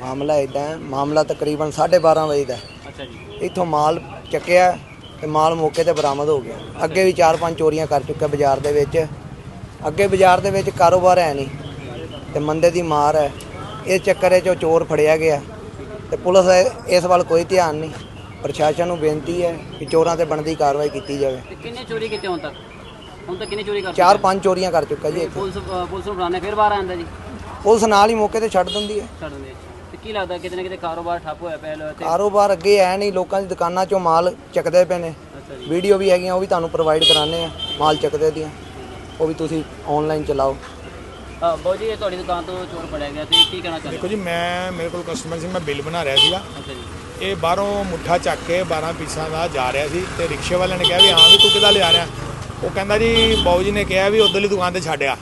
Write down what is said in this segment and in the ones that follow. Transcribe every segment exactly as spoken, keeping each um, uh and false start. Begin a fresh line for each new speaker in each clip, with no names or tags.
ਮਾਮਲਾ ਇਦਾਂ ਹੈ, ਮਾਮਲਾ ਤਕਰੀਬਨ ਸਾਢੇ ਬਾਰਾਂ ਵਜੇ ਦਾ।
ਅੱਛਾ ਜੀ।
ਇੱਥੋਂ ਮਾਲ ਚੱਕਿਆ ਤੇ ਮਾਲ ਮੌਕੇ ਤੇ ਬਰਾਮਦ ਹੋ ਗਿਆ। ਅੱਗੇ ਵੀ ਚਾਰ ਪੰਜ ਚੋਰੀਆਂ ਕਰ ਚੁੱਕਾ ਬਾਜ਼ਾਰ ਦੇ ਵਿੱਚ। ਅੱਗੇ ਬਾਜ਼ਾਰ ਦੇ ਵਿੱਚ ਕਾਰੋਬਾਰ ਹੈ ਨਹੀਂ ਤੇ ਮੰਦੇ ਦੀ ਮਾਰ ਹੈ। ਇਸ ਚੱਕਰ 'ਚ ਚੋਰ ਫੜਿਆ ਗਿਆ ਤੇ ਪੁਲਿਸ ਇਸ ਵੱਲ ਕੋਈ ਧਿਆਨ ਨਹੀਂ। ਪ੍ਰਸ਼ਾਸਨ ਨੂੰ ਬੇਨਤੀ ਹੈ ਕਿ ਚੋਰਾਂ ਤੇ ਬਣਦੀ ਕਾਰਵਾਈ ਕੀਤੀ ਜਾਵੇ।
ਕਿੰਨੇ ਚੋਰੀ ਕੀਤੇ ਹੁਣ ਤੱਕ? ਹੁਣ ਤੱਕ ਕਿੰਨੀ ਚੋਰੀ ਕਰ
ਚਾਰ ਪੰਜ ਚੋਰੀਆਂ ਕਰ ਚੁੱਕਾ ਜੀ।
ਪੁਲਿਸ ਪੁਲਿਸ ਨੂੰ ਬੁਲਾਉਂਦੇ ਫਿਰ ਬਾਹਰ ਆਉਂਦਾ ਜੀ?
ਪੁਲਿਸ ਨਾਲ ਹੀ ਮੌਕੇ ਤੇ ਛੱਡ ਦਿੰਦੀ ਹੈ।
ਛੱਡ ਦਿੰਦੇ। ਤੇ ਕੀ ਲੱਗਦਾ ਕਿਤੇ ਨਾ ਕਿਤੇ ਕਾਰੋਬਾਰ ਠੱਪ ਹੋਇਆ ਪਿਆ ਲੋ ਇੱਥੇ?
ਕਾਰੋਬਾਰ ਅੱਗੇ ਹੈ ਨਹੀਂ, ਲੋਕਾਂ ਦੀ ਦੁਕਾਨਾਂ 'ਚੋਂ ਮਾਲ ਚੱਕਦੇ ਪਏ ਨੇ।
ਅੱਛਾ ਜੀ।
ਵੀਡੀਓ ਵੀ ਹੈਗੀਆਂ, ਉਹ ਵੀ ਤੁਹਾਨੂੰ ਪ੍ਰੋਵਾਈਡ ਕਰਾਉਂਦੇ ਆ ਮਾਲ ਚੱਕਦੇ ਦੀਆਂ, ਉਹ ਵੀ ਤੁਸੀਂ ਆਨਲਾਈਨ ਚਲਾਓ।
ਹਾਂ ਬਾਊ ਜੀ, ਇਹ ਤੁਹਾਡੀ ਦੁਕਾਨ ਤੋਂ ਚੋਰ ਫੜਿਆ ਗਿਆ ਤੇ ਕੀ ਕਹਿਣਾ ਚਾਹੁੰਦੇ?
ਦੇਖੋ ਜੀ, ਮੈਂ ਮੇਰੇ ਕੋਲ ਕਸਟਮਰ ਸੀ, ਮੈਂ ਬਿੱਲ ਬਣਾ ਰਿਹਾ ਸੀਗਾ।
ਅੱਛਾ ਜੀ।
ਇਹ ਬਾਹਰੋਂ ਮੁੱਠਾ ਚੱਕ ਕੇ ਬਾਰਾਂ ਪੀਸਾਂ ਦਾ ਜਾ ਰਿਹਾ ਸੀ ਤੇ ਰਿਕਸ਼ੇ ਵਾਲੇ ਨੇ ਕਿਹਾ ਵੀ ਹਾਂ ਵੀ ਤੂੰ ਕਿੱਦਾਂ ਲਿਜਾ ਰਿਹਾ? ਉਹ ਕਹਿੰਦਾ ਜੀ ਬਾਊ ਜੀ ਨੇ ਕਿਹਾ ਵੀ ਉੱਧਰਲੀ ਦੁਕਾਨ ਤੇ ਛੱਡਿਆ।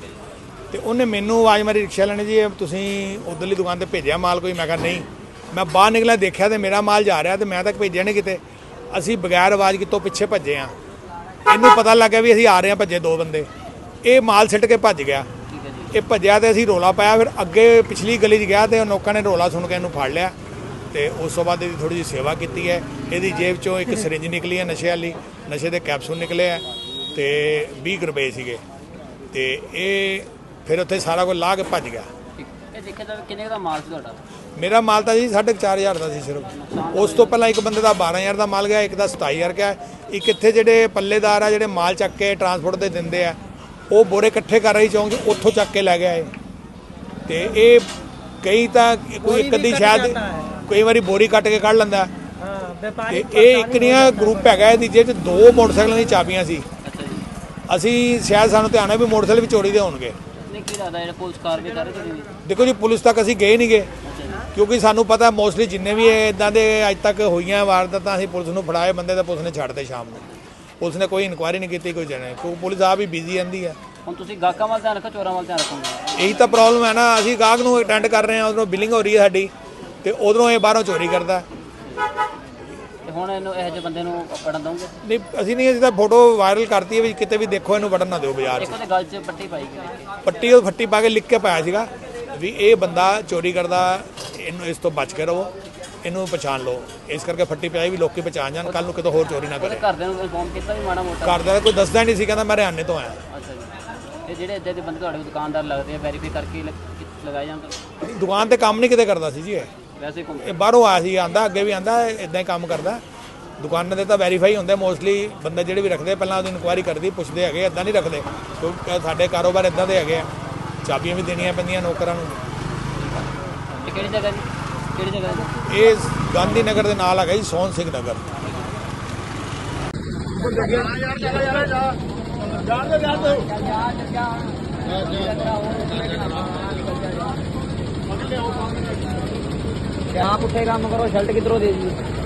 ਤੇ ਉਹਨੇ ਮੈਨੂੰ ਆਵਾਜ਼ ਮਾਰੀ ਰਿਕਸ਼ੇ ਵਾਲੇ ਨੇ, ਜੀ ਤੁਸੀਂ ਉੱਧਰਲੀ ਦੁਕਾਨ ਤੇ ਭੇਜਿਆ ਮਾਲ ਕੋਈ? ਮੈਂ ਕਿਹਾ ਨਹੀਂ। ਮੈਂ ਬਾਹਰ ਨਿਕਲਿਆ, ਦੇਖਿਆ ਤੇ ਮੇਰਾ ਮਾਲ ਜਾ ਰਿਹਾ ਤੇ ਮੈਂ ਤੱਕ ਭੇਜਿਆ ਨਹੀਂ ਕਿਤੇ। ਅਸੀਂ ਬਗੈਰ ਆਵਾਜ਼ ਕਿਤੋਂ ਪਿੱਛੇ ਭੱਜੇ ਆ। ਇਹਨੂੰ ਪਤਾ ਲੱਗਿਆ ਵੀ ਅਸੀਂ ਆ ਰਹੇ ਹਾਂ, ਭੱਜੇ ਦੋ ਬੰਦੇ। ਇਹ ਮਾਲ ਸਿੱਟ ਕੇ ਭੱਜ ਗਿਆ। ਇਹ ਭੱਜਿਆ ਤੇ ਅਸੀਂ ਰੋਲਾ ਪਾਇਆ। ਫਿਰ ਅੱਗੇ ਪਿਛਲੀ ਗਲੀ 'ਚ ਗਿਆ ਤੇ ਉਹ ਲੋਕਾਂ ਨੇ ਰੋਲਾ ਸੁਣ ਕੇ ਇਹਨੂੰ ਫੜ ਲਿਆ ਤੇ ਉਸ ਤੋਂ ਬਾਅਦ ਇਹਦੀ ਥੋੜੀ ਜਿਹੀ ਸੇਵਾ ਕੀਤੀ ਹੈ। ਇਹਦੀ ਜੇਬ 'ਚੋਂ ਇੱਕ ਸਿਰਿੰਜ ਨਿਕਲੀ ਹੈ ਨਸ਼ੇ ਵਾਲੀ, ਨਸ਼ੇ ਦੇ ਕੈਪਸੂਲ ਨਿਕਲੇ ਆ ਤੇ ਵੀਹ ਰੁਪਏ ਸੀਗੇ ਤੇ ਇਹ ਫਿਰ ਉੱਥੇ ਸਾਰਾ ਕੁਝ ਲਾ ਕੇ ਭੱਜ ਗਿਆ।
ਇਹ ਦੇਖਿਆ ਜਾਵੇ ਕਿੰਨੇ ਦਾ ਮਾਲ ਸੀ ਤੁਹਾਡਾ?
ਮੇਰਾ ਮਾਲ ਤਾਂ ਜੀ ਸਾਢੇ ਚਾਰ ਹਜ਼ਾਰ ਦਾ ਸੀ ਸਿਰਫ। ਉਸ ਤੋਂ ਪਹਿਲਾਂ ਇੱਕ ਬੰਦੇ ਦਾ ਬਾਰਾਂ ਹਜ਼ਾਰ ਦਾ ਮਾਲ ਗਿਆ, ਇੱਕ ਦਾ ਸਤਾਈ ਹਜ਼ਾਰ ਗਿਆ। ਇੱਕ ਇੱਥੇ ਜਿਹੜੇ ਪੱਲੇਦਾਰ ਆ ਜਿਹੜੇ ਮਾਲ ਚੱਕ ਕੇ ਟਰਾਂਸਪੋਰਟ ਤੇ ਦਿੰਦੇ ਆ, ਉਹ ਬੋਰੇ ਇਕੱਠੇ ਕਰ ਰਹੀ ਚੌਂਕ 'ਚ, ਉੱਥੋਂ ਚੱਕ ਕੇ ਲੈ ਗਿਆ ਇਹ। ਤੇ ਇਹ ਕਈ ਤਾਂ ਕੋਈ ਇੱਕ ਅੱਧੀ ਸ਼ਾਇਦ ਕਈ ਵਾਰੀ ਬੋਰੀ ਕੱਟ ਕੇ ਕੱਢ ਲੈਂਦਾ ਤੇ ਇਹ ਇੱਕ ਨਿਆ ਗਰੁੱਪ ਹੈਗਾ। ਇਹਦੀ ਜਿਹਦੇ 'ਚ ਦੋ ਮੋਟਰਸਾਈਕਲਾਂ ਦੀ ਚਾਬੀਆਂ ਸੀ। ਅਸੀਂ ਸ਼ਾਇਦ ਸਾਨੂੰ ਧਿਆਨ ਹੈ ਵੀ ਮੋਟਰਸਾਈਕਲ ਵੀ ਚੋਰੀ ਦੇ ਹੋਣਗੇ।
ਕੀ ਲੱਗਦਾ ਜਿਹੜਾ ਪੁਲਿਸ ਕਾਰਵਾਈ ਕਰ ਰਹੀ ਹੈ?
ਦੇਖੋ ਜੀ, ਪੁਲਿਸ ਤੱਕ ਅਸੀਂ ਗਏ ਨਹੀਂ ਗਏ ਕਿਉਂਕਿ ਸਾਨੂੰ ਪਤਾ ਮੋਸਟਲੀ ਜਿੰਨੇ ਵੀ ਇਦਾਂ ਦੇ ਅੱਜ ਤੱਕ ਹੋਈਆਂ ਵਾਰਦਾਤਾਂ ਅਸੀਂ ਪੁਲਿਸ ਨੂੰ ਫੜਾਏ ਬੰਦੇ ਤਾਂ ਪੁਲਿਸ ਨੇ ਛੱਡਦੇ ਸ਼ਾਮ ਨੂੰ। ਪੁਲਿਸ ਨੇ ਕੋਈ ਇਨਕੁਆਇਰੀ ਨਹੀਂ ਕੀਤੀ, ਕੋਈ ਜਾਣੇ ਕਿਉਂਕਿ ਪੁਲਿਸ ਆਪ ਹੀ ਬਿਜ਼ੀ ਰਹਿੰਦੀ ਹੈ।
ਹੁਣ ਤੁਸੀਂ ਗਾਹਕਾਂ ਵੱਲ ਧਿਆਨ ਰੱਖੋ, ਚੋਰਾਂ ਵੱਲ ਧਿਆਨ ਰੱਖੋਗੇ?
ਇਹੀ ਤਾਂ ਪ੍ਰੋਬਲਮ ਹੈ ਨਾ। ਅਸੀਂ ਗਾਹਕ ਨੂੰ ਅਟੈਂਡ ਕਰ ਰਹੇ ਹਾਂ, ਉਧਰੋਂ ਬਿਲਿੰਗ ਹੋ ਰਹੀ ਹੈ ਸਾਡੀ ਤੇ ਉਧਰੋਂ ਇਹ ਬਾਹਰੋਂ ਚੋਰੀ ਕਰਦਾ।
ਤੇ ਹੁਣ ਇਹਨੂੰ ਇਹੋ ਜਿਹੇ ਬੰਦੇ ਨੂੰ ਪੜਨ ਦਊਂਗੇ?
ਨਹੀਂ, ਅਸੀਂ ਨਹੀਂ। ਅਸੀਂ ਤਾਂ ਫੋਟੋ ਵਾਇਰਲ ਕਰਤੀ ਹੈ ਵੀ ਕਿਤੇ ਵੀ ਦੇਖੋ ਇਹਨੂੰ ਵੜਨ ਨਾ ਦਿਓ ਬਾਜ਼ਾਰ 'ਚ।
ਇੱਕ ਉਹਦੇ ਗਲ 'ਚ ਪੱਟੀ ਪਾਈ ਗਈ।
ਪੱਟੀ ਉਹ ਫੱਟੀ ਪਾ ਕੇ ਲਿਖ ਕੇ ਪਾਇਆ ਸੀਗਾ ਵੀ ਇਹ ਬੰਦਾ ਚੋਰੀ ਕਰਦਾ, ਇਹਨੂੰ ਇਸ ਤੋਂ ਬਚ ਕੇ ਰਹੋ, ਇਹਨੂੰ ਪਛਾਣ ਲਓ। ਇਸ ਕਰਕੇ ਫੱਟੀ ਪਾਈ ਵੀ ਲੋਕੀ ਪਛਾਣ ਜਾਣ, ਕੱਲ ਨੂੰ ਕਿਤੇ ਹੋਰ ਚੋਰੀ ਨਾ ਕਰੇ।
ਘਰਦਿਆਂ ਨੂੰ ਇਨਫੋਰਮ ਕੀਤਾ ਵੀ ਮਾੜਾ ਮੋਟਾ?
ਘਰਦਿਆਂ ਦਾ ਕੋਈ ਦੱਸਦਾ ਨਹੀਂ ਸੀ, ਕਹਿੰਦਾ ਮੈਂ ਹਰਿਆਣੇ ਤੋਂ ਆਇਆ।
ਅੱਛਾ ਜੀ। ਇਹ ਜਿਹੜੇ ਇੱਦਾਂ ਦੇ ਬੰਦੇ ਤੁਹਾਡੇ ਦੁਕਾਨਦਾਰ ਲੱਗਦੇ ਆ, ਵੈਰੀਫਾਈ ਕਰਕੇ ਲਗਾਏ ਜਾਂਦੇ?
ਦੁਕਾਨ ਤੇ ਕੰਮ ਨਹੀਂ ਕਿਤੇ ਕਰਦਾ ਸੀ ਜੀ ਇਹ।
ਵੈਸੇ ਘੁੰਮ
ਇਹ ਬਾਹਰੋਂ ਆਇਆ ਸੀ, ਆਂਦਾ ਅੱਗੇ ਵੀ ਆਂਦਾ ਇਦਾਂ ਹੀ ਕੰਮ ਕਰਦਾ। ਦੁਕਾਨਾਂ ਦੇ ਤਾਂ ਵੈਰੀਫਾਈ ਹੁੰਦੇ ਮੋਸਟਲੀ ਬੰਦੇ ਜਿਹੜੇ ਵੀ ਰੱਖਦੇ, ਪਹਿਲਾਂ ਉਹਦੀ ਇਨਕੁਆਇਰੀ ਕਰਦੀ, ਪੁੱਛਦੇ ਹੈਗੇ, ਇਦਾਂ ਨਹੀਂ ਰੱਖਦੇ ਕਿਉਂਕਿ ਸਾਡੇ ਕਾਰੋਬਾਰ ਇਦਾਂ ਦੇ ਹੈਗੇ ਆ। ਚਾਬੀਆਂ ਵੀ ਦੇਣੀਆਂ ਪੈਂਦੀਆਂ ਨੌਕਰਾਂ ਨੂੰ।
ਇਹ ਕਿਹੜੀ ਜਗ੍ਹਾ ਜੀ? ਕਿਹੜੀ ਜਗ੍ਹਾ ਜੀ?
ਇਹ ਗਾਂਧੀ ਨਗਰ ਦੇ ਨਾਲ ਹੈਗਾ ਜੀ, ਸੋਹਣ ਸਿੰਘ ਨਗਰ।
आप उठे काम करो, शर्ट किधरों दे दी?